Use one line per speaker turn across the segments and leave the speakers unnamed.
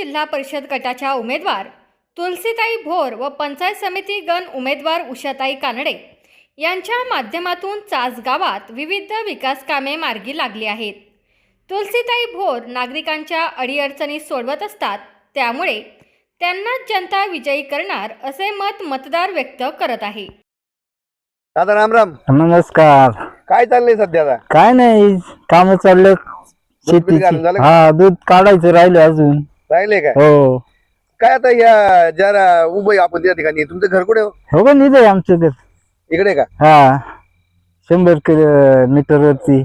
जिल्हा परिषद गटाच्या उमेदवार तुलसीताई भोर व पंचायत समिती गण उमेदवार उषाताई कानडे यांच्या माध्यमातून चास गावात विविध विकास कामे मार्गी लागली आहेत। तुलसीताई भोर नागरिकांच्या अडीअडचणी सोडवत असतात, त्यामुळे त्यांनाच जनता विजयी करणार असे मत मतदार व्यक्त करत आहे।
दादा राम राम।
नमस्कार।
काय चाललंय सध्या आता?
काय नाही, काम चालले शेतीची। हा, दूध काढायचं राहिले अजून।
राहिले का?
हो।
काय आता या जरा उभं आपण त्या ठिकाणी, तुमचं घर कुठे?
हो का, निघे आमचं घर
इकडे का?
हा, 100 किलोमीटर वरती।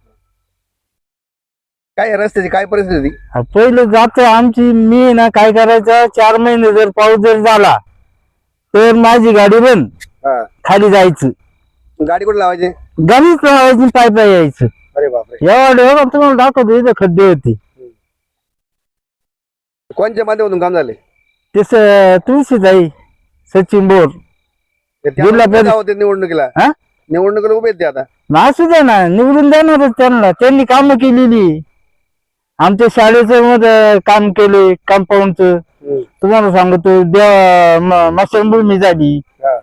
काय रस्त्याची काय परिस्थिती?
पहिले जात आमची, मी ना काय करायचं, 4 महिने जर पाऊस जर झाला तर माझी गाडी बंद, खाली जायचं।
गाडी कुठे लावायची?
गाडीच लावायची, पाय पाय यायचं।
अरे बापरे,
एवढं तुम्हाला दाखवतो, इथं खड्डे होते।
कोणत्या माध्यमातून काम झाले?
ते तुळशीताई सचिन बोर जिल्हा परिषद
निवडणुकीला उभे आहेत ते आता।
असू द्या ना, निवडून देणारच त्यांना। त्यांनी काम केलेली, आमच्या शाळेचं मध्ये काम केले, कंपाऊंडचं। तुम्हाला सांगतो, मशानभूमी झाली,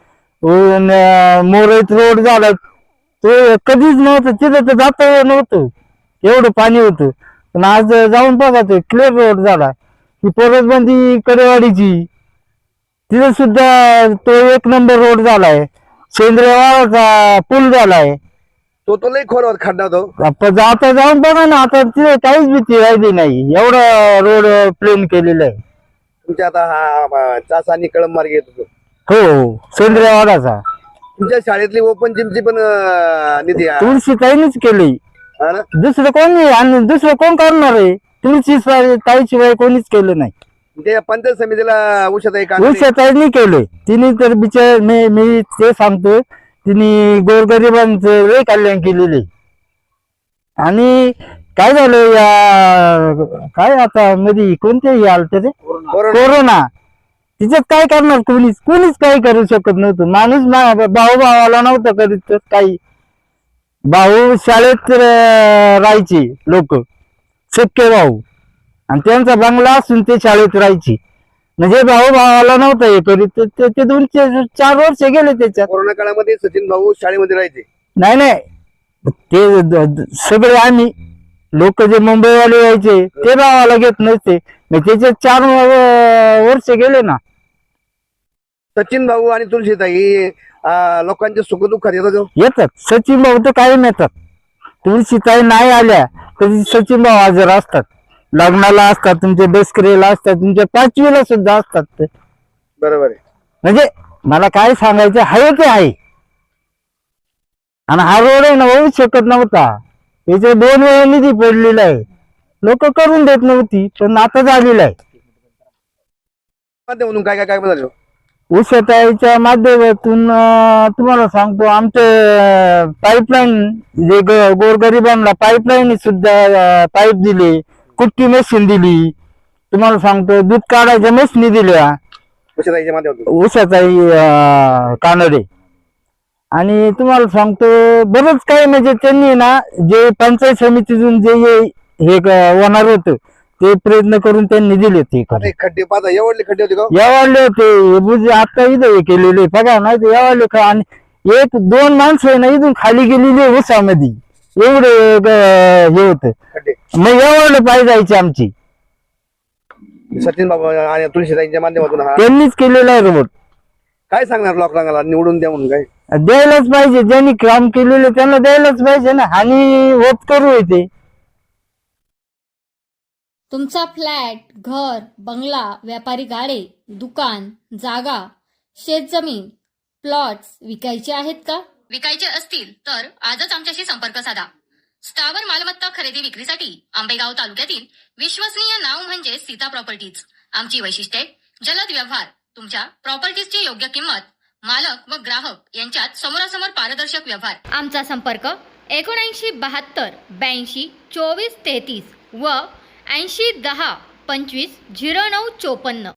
मोरईत रोड झाला, तो कधीच नव्हतं तिथं, तर जात नव्हतं, एवढं पाणी होतं। पण आज जाऊन बघा, ते क्लिअर रोड झाला। ही परसबंदी कडेवाडीची, तिथं सुद्धा तो 1 नंबर रोड झालाय। सेंद्रिय वाळाचा पूल झालाय,
तो लई खोल खड्डा होतो।
आता जाऊन बघा ना, आता तिथे काहीच भीती राहिली नाही, एवढा रोड प्लेन केलेला आहे।
तुमच्या आता हा चास आणि कळंब मार्ग येत होतो?
हो, सेंद्रिय वाळाचा।
तुमच्या शाळेतली ओपन जिमची पण निधी
तुळशीताईनीच केली, दुसरं कोण नाही। आणि दुसरं कोण करणार आहे? तुळशीताईशिवाय कोणीच केलं नाही।
ते पंचायत समितीला
उषाताईंनी केले, तिने तर बिचार मी ते सांगतो, तिने गोरगरिबांचं लय कल्याण केलेले। आणि काय झालं या काय आता मध्ये कोणतेही आलत रे, कोरोना, तिच्यात काय करणार? कोणीच काही करू शकत नव्हतं। माणूस भाऊ भावाला नव्हतं करीत, तर काही भाऊ शाळेत राहायचे लोक, सख्खे भाऊ, आणि त्यांचा बंगला असून ते शाळेत राहायचे, म्हणजे भाऊ भावाला नव्हता हे करीत। ते 2-4 वर्ष गेले त्याच्यात।
कोरोना काळामध्ये सचिन भाऊ शाळेमध्ये राहायचे?
नाही, ते सगळे आम्ही लोक जे मुंबईवाले यायचे ते भावाला घेत नसते, त्याचे 4 वर्ष गेले ना।
सचिन भाऊ आणि तुळशीताई लोकांच्या सुखदुःखात
येतात। सचिन भाऊ तर कायम येतात, तुळशीताई नाही आल्या तरी सचिन भाऊ हजर असतात, लग्नाला असतात, तुमच्या दसकरीला असतात, तुमच्या 5वीला सुद्धा असतात ते।
बरोबर आहे।
म्हणजे मला काय सांगायचं आहे ते आहे। आणि हा रोड आहे ना, होऊ शकत नव्हता, त्याचे 2 वेळा निधी पडलेला आहे, लोक करून देत नव्हती, पण आता झालेला आहे।
म्हणून काय काय काय म्हणाले?
उषाताईच्या माध्यमातून तुम्हाला सांगतो, आमचे पाईपलाईन, जे गोरगरिबांना पाईपलाईन सुद्धा पाईप दिले, कुट्टी मशीन दिली, तुम्हाला सांगतो दूध काढायच्या मशीनी दिल्या उषाताई कानडे। आणि तुम्हाला सांगतो बरंच काही, म्हणजे त्यांनी ना जे पंचायत समितीतून जे हे होणार होतं ते प्रयत्न करून त्यांनी दिले। ते
खड्डे पाहता एवढले खड्डे होते का?
एवढले होते, आता इथं हे केलेले बघा, नाही तर एवढले। आणि 1-2 माणसं आहे ना इथून खाली गेलेली उसामध्ये, एवढे हे होत। मग एवढले पाय जायचे आमची।
सचिन बाबू आणि तुळशीताईंच्या माध्यमातून
त्यांनीच केलेला आहे रोड।
काय सांगणार लोकांना निवडून द्या म्हणून? काय
द्यायलाच पाहिजे, ज्यांनी काम केलेले त्यांना द्यायलाच पाहिजे ना, आणि होत करू येते।
तुमचा फ्लॅट, घर, बंगला, व्यापारी गाडे, दुकान, जागा, शेतजमीन, प्लॉट्स विकायचे आहेत का? विकायचे असतील तर आजच आमच्याशी संपर्क साधा। स्थावर मालमत्ता खरेदी विक्रीसाठी आंबेगाव तालुक्यातील विश्वसनीय नाव म्हणजे सीता प्रॉपर्टीज। आमची वैशिष्ट्ये: जलद व्यवहार, तुमच्या प्रॉपर्टीजची योग्य किंमत, मालक व ग्राहक यांच्यात समोरासमोर पारदर्शक व्यवहार। आमचा संपर्क 7972 82 24 33 व 80 10 25 09 54।